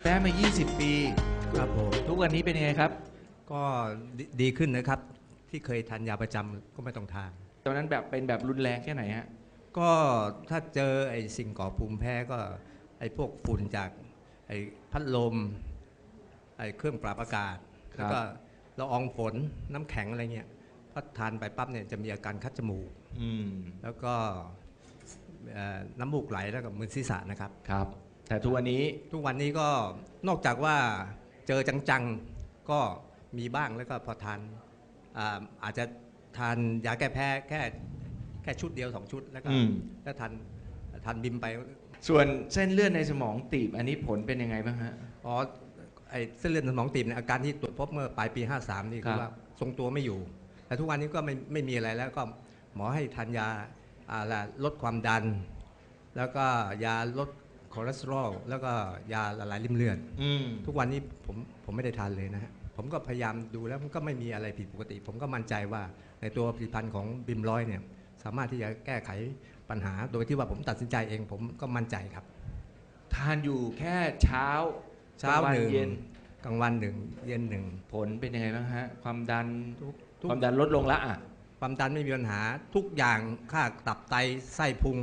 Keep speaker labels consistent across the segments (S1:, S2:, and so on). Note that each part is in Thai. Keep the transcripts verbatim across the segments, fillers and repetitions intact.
S1: พ้มายี่สิบปี
S2: ครับผม
S1: ทุกวันนี้เป็นยังไงครับ
S2: ก็ดดีขึ้นนะครับที่เคยทานยาประจำก็ไม่ต้องทาน
S1: ตอนนั้นแบบเป็นแบบรุนแรงแค่ไหนฮะ
S2: ก็ถ้าเจอไอ้สิ่งก่อภูมิแพ้ก็ไอ้พวกฝุ่นจากไอ้พัดลมไอ้เครื่องปรับอากาศแล้วก็ละอองฝนน้ำแข็งอะไรเงี้ยพอทานไปปั๊บเนี่ยจะมีอาการคัดจมูกแล้วก็น้ำมูกไหลแล้วก็มึนศีรษะนะครับ
S1: ครับแต่ทุกวันนี้
S2: ทุกวันนี้ก็นอกจากว่าเจอจังๆก็มีบ้างแล้วก็พอทาน อาอาจจะทานยาแก้แพ้แค่แค่ชุดเดียวสองชุดแล้วก็แล้วทานทานบิมไป
S1: ส่วนเส้นเลือดในสมองตีบอันนี้ผลเป็นยังไงบ้างฮะ
S2: อ๋อไอเส้นเลือดในสมองตีบเนี่ยอาการที่ตรวจพบเมื่อปลายปีห้าสามนี่คือว่าทรงตัวไม่อยู่แต่ทุกวันนี้ก็ไม่ไม่มีอะไรแล้วก็หมอให้ทานยาลดความดันแล้วก็ยาลดคอเลสเตอรอลแล้วก็ยาละลายริ่มเลือดทุกวันนี้ผมผมไม่ได้ทานเลยนะฮะผมก็พยายามดูแล้วมันก็ไม่มีอะไรผิดปกติผมก็มั่นใจว่าในตัวผลิตภัณฑ์ของบิมร้อยเนี่ยสามารถที่จะแก้ไขปัญหาโดยที่ว่าผมตัดสินใจเองผมก็มั่นใจครับ
S1: ทานอยู่แค่เช้า
S2: เช้าหนึ่งเย็นกลางวันหนึ่งเย็นหนึ่ง
S1: ผลเป็นยังไงบ้างฮะความดันความดันลดลงละอ่ะ
S2: ความดันไม่มีปัญหาทุกอย่างค่าตับไตไส้พุง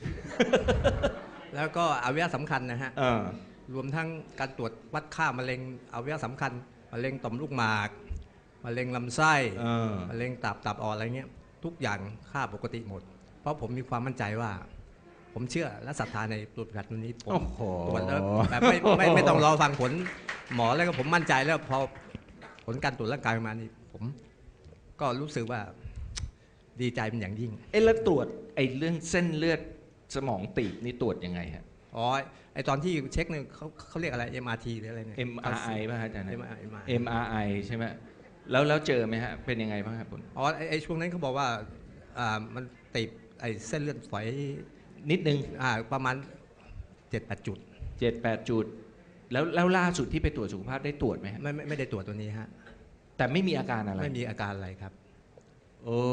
S2: แล้วก็อวัยวะสำคัญนะฮะรวมทั้งการตรวจวัดค่ามะเร็งอวัยวะสำคัญมะเร็งต่อมลูกหมากมะเร็งลำไส้มะเร็งตับตับอ่อนอะไรเงี้ยทุกอย่างค่าปกติหมดเพราะผมมีความมั่นใจว่าผมเชื่อและศรัทธาในตัวผลิตภัณฑ์นี้ผมตรวจแล้วแบบไม่ไม่ไม่ต้องรอฟังผลหมอแล้วก็ผมมั่นใจแล้วพอผลการตรวจร่างกายมานี่ผมก็รู้สึกว่าดีใจเป็นอย่างยิ่ง
S1: เอ๊ะแล้วตรวจไอ้เรื่องเส้นเลือดสมองตีบนี่ตรวจยังไงฮะ
S2: อ๋อไอตอนที่เช็คเนี่ยเขาเขาเรียกอะไร เอ็ม อาร์ ที หรืออะไรเนี่ย
S1: เอ็ม อาร์ ไอ ป่ะฮะอาจารย์
S2: เอ็ม
S1: อาร์ ไอ ใช่ไหมแล้วแล้วเจอไหมฮะเป็นยังไงบ้างครับคุณ
S2: อ๋อไอช่วงนั้นเขาบอกว่าอ่ามันติดไอเส้นเลือดฝอย
S1: นิดนึง
S2: อ่าประมาณ เจ็ดแปด จุด
S1: เจ็ดแปด จุดแล้วแล้วล่าสุดที่ไปตรวจสุขภาพได้ตรวจไหม
S2: ไม่ไม่ไม่ได้ตรวจตัวนี้ฮะ
S1: แต่ไม่มีอาการอะไร
S2: ไม่มีอาการอะไรครับ
S1: โอ้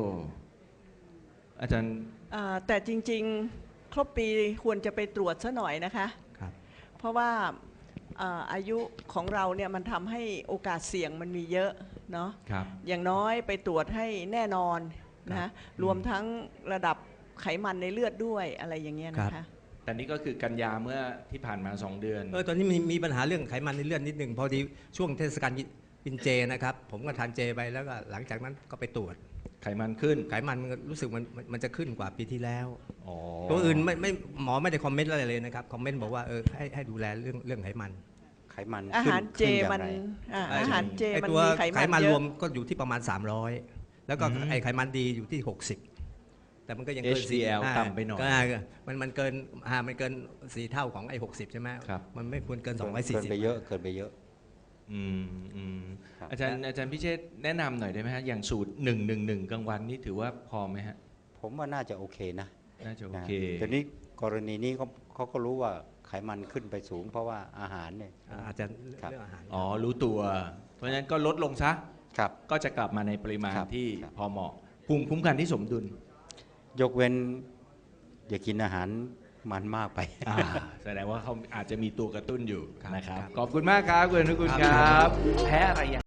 S1: อาจารย์
S3: แต่จริงๆครบปีควรจะไปตรวจซะหน่อยนะคะ
S2: ครับ
S3: เพราะว่าอายุของเราเนี่ยมันทำให้โอกาสเสี่ยงมันมีเยอะเนาะอย่างน้อยไปตรวจให้แน่นอนนะรวมทั้งระดับไขมันในเลือดด้วยอะไรอย่างเงี้ยนะคะ
S1: แต่นี่ก็คือกันยาเมื่อที่ผ่านมาสองเดือน
S2: เออตอนนี้มีมีปัญหาเรื่องไขมันในเลือดนิดนึงพอดีช่วงเทศกาลกินเจนะครับผมก็ทานเจไปแล้วก็หลังจากนั้นก็ไปตรวจ
S1: ไขมันขึ้น
S2: ไขมันรู้สึกมันมันจะขึ้นกว่าปีที่แล้วตัวอื่นไม่ไม่หมอไม่ได้คอมเมนต์อะไรเลยนะครับคอมเมนต์บอกว่าเออให้ให้ดูแลเรื่องเรื่องไขมัน
S4: ไขมัน
S3: อาหารเจมันอาหารเจมันมีไขมัน
S2: รวมก็อยู่ที่ประมาณสามร้อยแล้วก็ไอไขมันดีอยู่ที่หกสิบแต่มันก็ยังเกิน
S1: เอช ดี แอล ต่ำไปหน่อย
S2: มันมันเกินอ่ามันเกินสี่เท่าของไอหกสิบใช่ไหมมันไม่ควรเกินสองร้อยสี่สิบ
S4: เกินไปเยอะเกินไปเยอะ
S1: อืมอืมอาจารย์อาจารย์พิเชษแนะนำหน่อยได้ไหมฮะอย่างสูตรหนึ่งหนึ่งหนึ่งกลางวันนี่ถือว่าพอไหมฮะ
S4: ผมว่าน่าจะโอเคนะ
S1: น่าจะโอเค
S4: แต่นี้กรณีนี้เขาเขาก็รู้ว่าไขมันขึ้นไปสูงเพราะว่าอาหารเนี่ย
S2: อาจจะเรื่องอาหาร
S1: อ๋อรู้ตัวเพราะฉะนั้นก็ลดลงซะ
S4: ครับ
S1: ก็จะกลับมาในปริมาณที่พอเหมาะภูมิคุ้มกันที่สมดุล
S4: ยกเว้นอย่ากินอาหารมันมากไป
S1: แสดงว่าเขาอาจจะมีตัวกระตุ้นอยู่นะครับขอบคุณมากครับคุณอนุกูลครับแพ้อะไร